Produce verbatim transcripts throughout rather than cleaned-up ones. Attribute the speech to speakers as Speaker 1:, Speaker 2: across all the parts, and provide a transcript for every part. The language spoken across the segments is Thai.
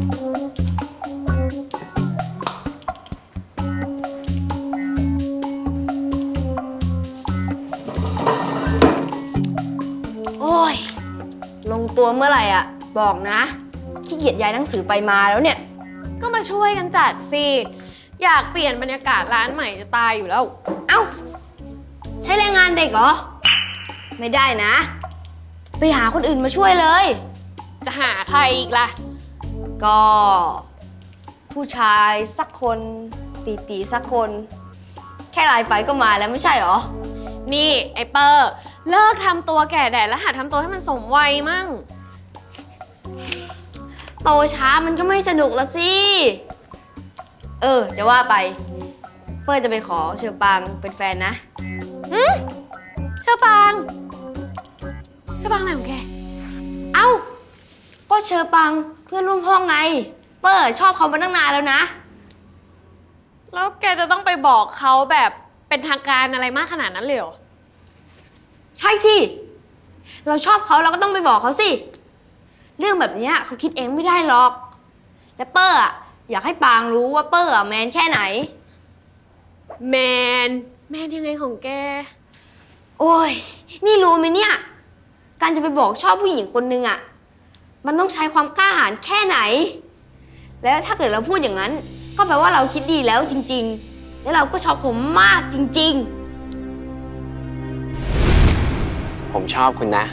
Speaker 1: โอ้ยลงตัวเมื่อไหร่อ่ะบอกนะขี้เกียจย้ายหนังสือไปมาแล้วเนี่ย
Speaker 2: ก็มาช่วยกันจัดสิอยากเปลี่ยนบรรยากาศร้านใหม่จะตายอยู่แล้ว
Speaker 1: เอ้าใช้แรงงานเด็กเหรอไม่ได้นะไปหาคนอื่นมาช่วยเลย
Speaker 2: จะหาใครอีกล่ะ
Speaker 1: ก็ผู้ชายสักคนตีตีสักคนแค่ไลน์ไปก็มาแล้วไม่ใช่เหรอ
Speaker 2: นี่ไอเปอร์เลิกทำตัวแก่แดดแล้วหัดทำตัวให้มันสมวัยมั่ง
Speaker 1: โตช้ามันก็ไม่สนุกละสิเออจะว่าไปเฟิร์นจะไปขอเชอปางเป็นแฟนนะ
Speaker 2: หืมเชอปางเชอปางอะไรของแก
Speaker 1: เอ้าก็เชอปางเพื่อนร่วมห้องไงเปิร์ชอบเขามาตั้งนานแล้วนะ
Speaker 2: แล้วแกจะต้องไปบอกเขาแบบเป็นทางการอะไรมากขนาดนั้นเลยเหรอ
Speaker 1: ใช่สิเราชอบเขาเราก็ต้องไปบอกเขาสิเรื่องแบบนี้เขาคิดเองไม่ได้หรอกและเปอร์อะอยากให้ปางรู้ว่าเปอร์อะแมนแค่ไหน
Speaker 2: แมนแมนยังไงของแก
Speaker 1: โอ้ยนี่รู้ไหมเนี่ยการจะไปบอกชอบผู้หญิงคนนึงอะมันต้องใช้ความกล้าหาญแค่ไหนแล้วถ้าเกิดเราพูดอย่างนั้นก็แปลว่าเราคิดดีแล้วจริงๆแล้วเราก็ชอบผมมากจริง
Speaker 3: ๆผมชอบคุณนะ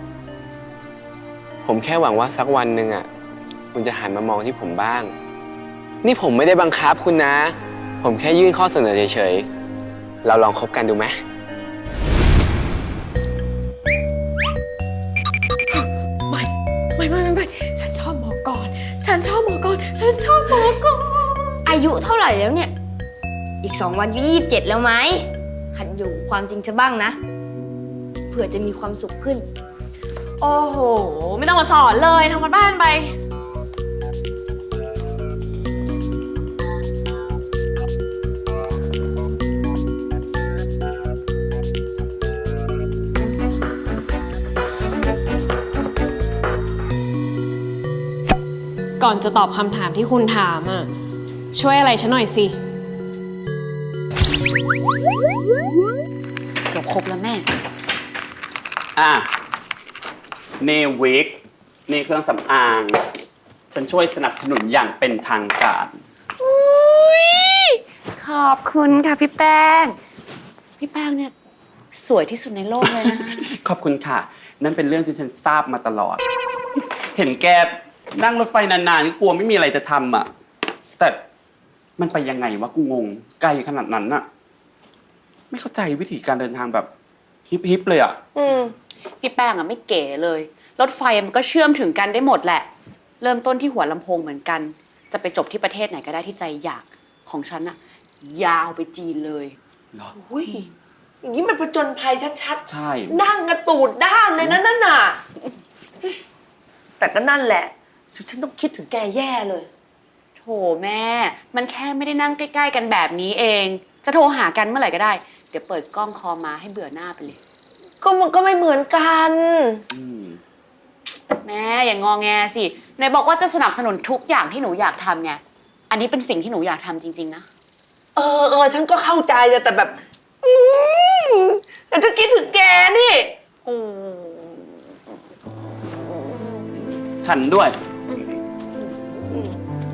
Speaker 3: ผมแค่หวังว่าสักวันหนึ่งอ่ะคุณจะหันมามองที่ผมบ้างนี่ผมไม่ได้บังคับคุณนะผมแค่ยื่นข้อเสนอเฉยๆเราลองคบกันดูไหม
Speaker 2: ไม่ไม่ไม่ไม่ฉันชอบหมอกรฉันชอบหมอกรฉันชอบหมอกร
Speaker 1: อายุเท่าไหร่แล้วเนี่ยอีกสองวันก็ยี่สิบเจ็ดแล้วไหมหัดอยู่ความจริงซะบ้างนะเผื่อจะมีความสุขขึ้น
Speaker 2: โอ้โหไม่ต้องมาสอนเลยทำกันบ้านไปก่อนจะตอบคำถามที่คุณถามอ่ะช่วยอะไรฉันหน่อยสิ
Speaker 4: เกือบครบแล้วแม่
Speaker 5: อ่ะนี่วิกนี่เครื่องสำอางฉันช่วยสนับสนุนอย่างเป็นทางการ
Speaker 4: ขอบคุณค่ะพี่แป้งพี่แป้งเนี่ยสวยที่สุดในโลกเลยนะ
Speaker 5: ขอบคุณค่ะนั่นเป็นเรื่องที่ฉันทราบมาตลอดเห็นแกนั่งรถไฟนานๆกลัวไม่มีอะไรจะทำอ่ะแต่มันไปยังไงวะกูงงไกลขนาดนั้นน่ะไม่เข้าใจวิธีการเดินทางแบบฮิปๆเลยอ่ะ
Speaker 4: อืมพี่แป้งอ่ะไม่เก๋เลยรถไฟมันก็เชื่อมถึงกันได้หมดแหละเริ่มต้นที่หัวลำโพงเหมือนกันจะไปจบที่ประเทศไหนก็ได้ที่ใจอยากของฉันอ่ะยาวไปจีนเลย
Speaker 5: เหรอ
Speaker 6: อุ้ยอย่างนี้มันผจญภัยชัดๆ
Speaker 5: ใช่
Speaker 6: นั่งกระตูดด้านเลยนะนั่นน่ะแต่ก็นั่นแหละฉันต้องคิดถึงแกแย่เลย
Speaker 4: โถแม่มันแค่ไม่ได้นั่งใกล้ๆกันแบบนี้เองจะโทรหากันเมื่อไหร่ก็ได้เดี๋ยวเปิดกล้องคอมาให้เบื่อหน้าไปเลย
Speaker 6: ก็มันก็ไม่เหมือนกัน
Speaker 4: แม่อย่างงอแงสิไหนบอกว่าจะสนับสนุนทุกอย่างที่หนูอยากทำไงอันนี้เป็นสิ่งที่หนูอยากทำจริงๆนะ
Speaker 6: เออเออฉันก็เข้าใจแต่แบบแต่ฉันคิดถึงแกนี่
Speaker 5: ฉันด้วย